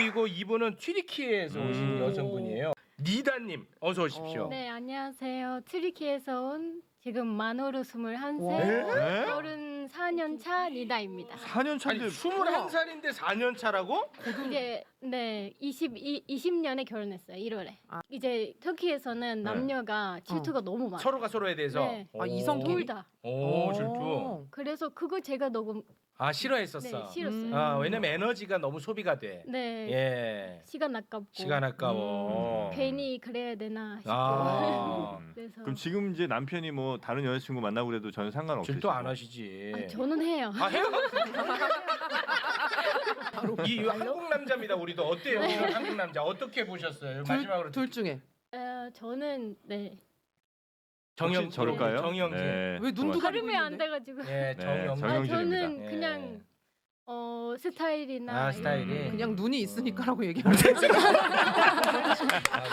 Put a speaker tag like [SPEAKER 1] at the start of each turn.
[SPEAKER 1] 그리고 이분은 튀르키예에서 오신 여성분이에요. 니다님 어서 오십시오.
[SPEAKER 2] 네, 안녕하세요. 트리키에서 온 지금 만으로 21세,
[SPEAKER 3] 네?
[SPEAKER 2] 34년 차 니다입니다.
[SPEAKER 3] 4년
[SPEAKER 1] 아니
[SPEAKER 3] 차인데
[SPEAKER 1] 21살인데 4년 차라고?
[SPEAKER 2] 이제 네, 20년에 결혼했어요. 1월에.
[SPEAKER 4] 아.
[SPEAKER 2] 이제 터키에서는 남녀가 질투가 너무 많아요.
[SPEAKER 1] 서로가 서로에 대해서.
[SPEAKER 2] 네.
[SPEAKER 4] 아, 이성끼리?
[SPEAKER 2] 둘 다.
[SPEAKER 1] 오 질투.
[SPEAKER 2] 그래서 그거 제가 너무
[SPEAKER 1] 아 싫어했었어.
[SPEAKER 2] 네, 싫었어요.
[SPEAKER 1] 아 왜냐면 에너지가 너무 소비가 돼.
[SPEAKER 2] 네.
[SPEAKER 1] 예.
[SPEAKER 2] 시간 아깝고.
[SPEAKER 1] 시간 아까워.
[SPEAKER 2] 괜히 그래야 되나 싶고.
[SPEAKER 1] 아.
[SPEAKER 2] 그래서
[SPEAKER 3] 그럼 지금 이제 남편이 뭐 다른 여자친구 만나고 그래도 전혀 상관없으시고
[SPEAKER 1] 질투 안 하시지.
[SPEAKER 2] 아, 저는 해요.
[SPEAKER 1] 아 해요? 이 한국 남자입니다. 우리도 어때요? 이런 한국 남자 어떻게 보셨어요? 마지막으로
[SPEAKER 4] 둘 중에
[SPEAKER 2] 저는 네.
[SPEAKER 1] 정영
[SPEAKER 3] 혹시 저럴까요?
[SPEAKER 1] 정영진.
[SPEAKER 3] 네.
[SPEAKER 4] 왜 눈도 가리고
[SPEAKER 2] 발음이 안
[SPEAKER 4] 있는데?
[SPEAKER 2] 돼가지고.
[SPEAKER 1] 예,
[SPEAKER 3] 네,
[SPEAKER 1] 정영진.
[SPEAKER 3] 정영진입니다.
[SPEAKER 2] 저는
[SPEAKER 1] 예.
[SPEAKER 2] 그냥 스타일이나
[SPEAKER 1] 아 스타일이.
[SPEAKER 4] 그냥 눈이 있으니까라고 얘기하는 거지.
[SPEAKER 1] 아,